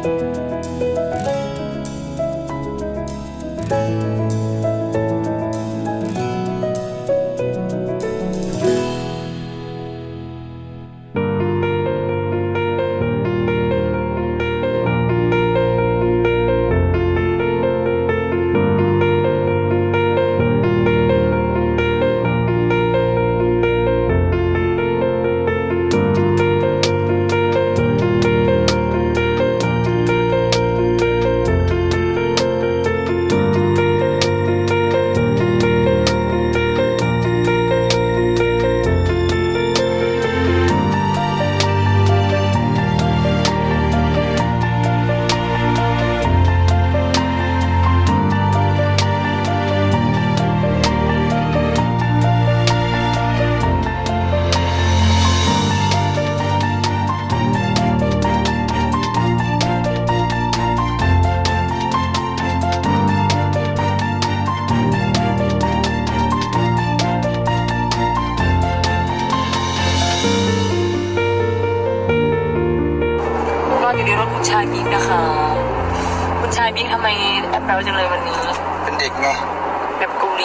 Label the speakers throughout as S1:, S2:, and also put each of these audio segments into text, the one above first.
S1: อยู่ในรถคุณชายบิ๊กนะคะคุณชายบิ๊กทำไมแอปแปลจังเลยวันนี้
S2: เป็นเด็กไง
S1: แบบกุรี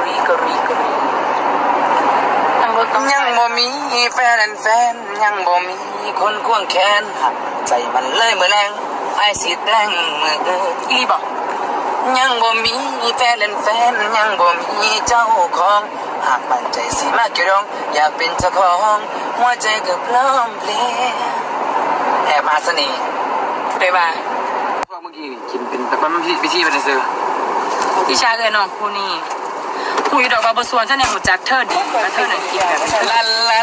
S1: นั่งรถต้อง
S2: ยังบ่มีแฟนยังบ่มีคนควงแขนหักใจมันเลยมือแรงไอ้สีแดงมือ
S1: อีบอก
S2: ยังบ่มีแฟนยังบ่มีเจ้าของหากมั่นใจสิมาเกี่ยวดองอยากเป็นเจ้าของหัวใจก็พร้อมเพลงแอบมาเสน่ห์
S1: ได้ป่ะ
S2: พวกเมื่อกี้กินเป็นแต่มันพิธีเป็นซื้อ
S1: พี่ชาเลยน้องคู่นี้คุยดอกบาบส่วนฉันเนี่ยหูจักเธอดีมาเธอหนึ่งกินแบบ
S2: ลา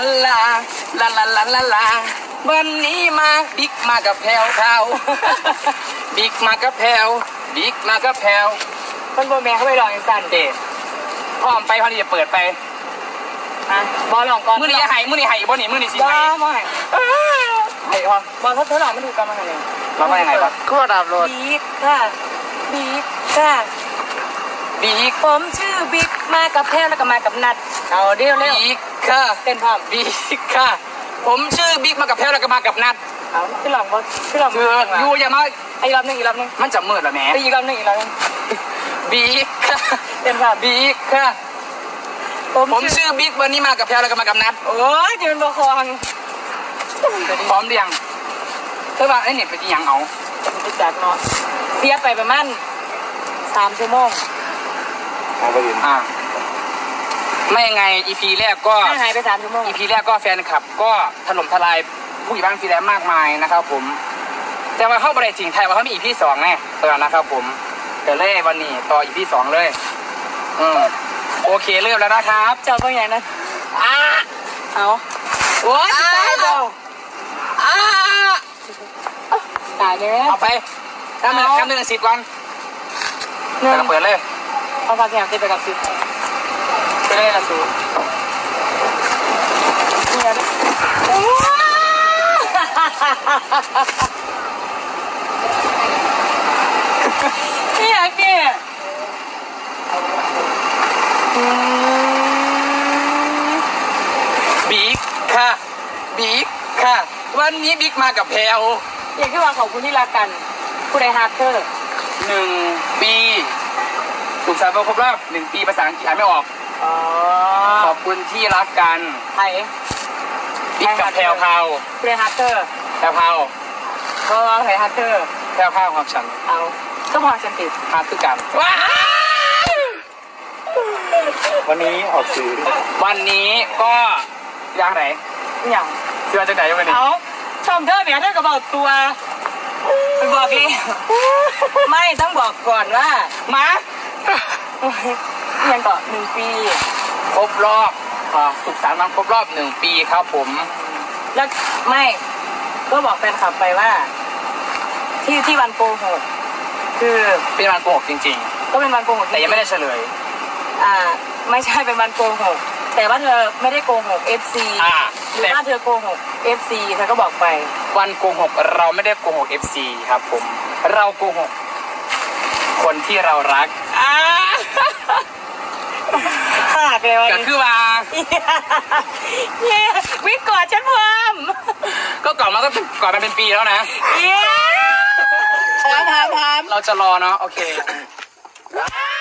S2: วันนี้มาบิ๊กมากับแพลวบิ๊กมากับแพลว
S1: คนโบแม่เขาไปลองอีสัน
S2: เดทพร้อมไปพอดีจะเปิดไป
S1: บอลลองก่อน
S2: มื้อนี้หายบ่นี่มื้อนี้สิ
S1: หายบ่หาย
S2: หาย
S1: บอลเขาหลอกไม่ถูกกันมาไง
S2: มาว่ายังไงวะ
S1: ก็ดับรถบิ๊กผมชื่อบิ๊กมากับแพลแล้วก็มากับนัดเอาเดี๋ยว
S2: บิ๊กค่ะ
S1: เต้นพร้อม
S2: บิ๊กค่ะผมชื่อบิ๊กมากับแพลแล้วก็มากับนัด
S1: เอาพี่หลอง
S2: อยู่อย่ามา
S1: อีกรอบนึง
S2: มันจะมืดแล้วแม่
S1: อีกรอบนึง
S2: บิ๊กค่ะ
S1: เต้นพร้อม
S2: บิ๊กค่ะผมชื่อบิ๊กวันนี้มากับแพลแล้วก็มากับนัด
S1: โอ้ยจะเป็นบอคอง
S2: พร้อมเรียงเธอว่าไอ้เนี่ยเป็นยังเอา
S1: ไปจัดเนาะเสียไปประมาณ3 ชั่วโมง
S2: ไม่ยังไง EP แรกก็
S1: หายไป3 ชั่วโมง
S2: EP แรกก็แฟนคลับก็ถล่มทลายผู้หญิงบ้านฟีแลนซ์มากมายนะครับผมแต่ว่าเข้าประเด็นจริงไทยว่าเขามี EP 2ไงนะครับผมแต่เล่วันนี้ต่อ EP 2เลยโอเคเริ่มแล้วนะครับ
S1: เจ้าต้องอย่างนั้นเอา
S2: โอ้ย
S1: ตายแล้วตายเลย
S2: เอาไปทำหนึ่ง10 วันแล้วเปิดเลย
S1: เอาฝากแขกไปกับ10ไปเลยละสูนี่อยากเนี่ย
S2: บิ๊กค่ะวันนี้บิ๊กมากับแพลว
S1: อยากที่ว่าขอบคุณที่รักกันผู้ใดฮาร์เตอร์
S2: 1 ปีสุขสันต์วันครบรอบ1 ปีภาษาอังกฤษอ่านไม่ออกขอบคุณที่รักกัน
S1: ไทย
S2: บิ๊กกับแพลว
S1: ผู้ใดฮาร์เตอร์
S2: แพลว
S1: ก็ใครฮาร์เตอร์
S2: แพลวของฉัน
S1: เอาก็พอฉันติด
S2: ฮาร์คือกันวันนี้ออกสื่อวันนี้ก็อย่างไร
S1: อย่าง
S2: เชื่อจะไหนวันนี้
S1: เอาชมเธอเนี่ยเธอก็บอกตัวไปบอกเลยไม่ต้องบอกก่อนว่า
S2: มา
S1: ยังต่อ1 ปี
S2: ครบรอบสุขสันต์วันครบรอบ1 ปีครับผม
S1: แล้วไม่ก็บอกแฟนคลับไปว่าที่วันโกหกคือ
S2: เป็นวันโกหกจริง
S1: ๆก็เป็นวันโกหก
S2: แต่ยังไม่ได้เฉลย
S1: ไม่ใช่เป็นวันโกหกแต่ว่าเธอไม่ได้โกหก FC หรือว่าเธอโกหก FC เธอก็บอกไป
S2: วันโกหกเราไม่ได้โกหก FC ครับผมเราโกหกคนที่เรารักก็คือว่า
S1: วิกอดฉันพร้อม
S2: ก็ก่อนมาเป็นปีแล้วนะ
S3: 3
S2: เราจะรอเนาะโอเค
S3: ว้าว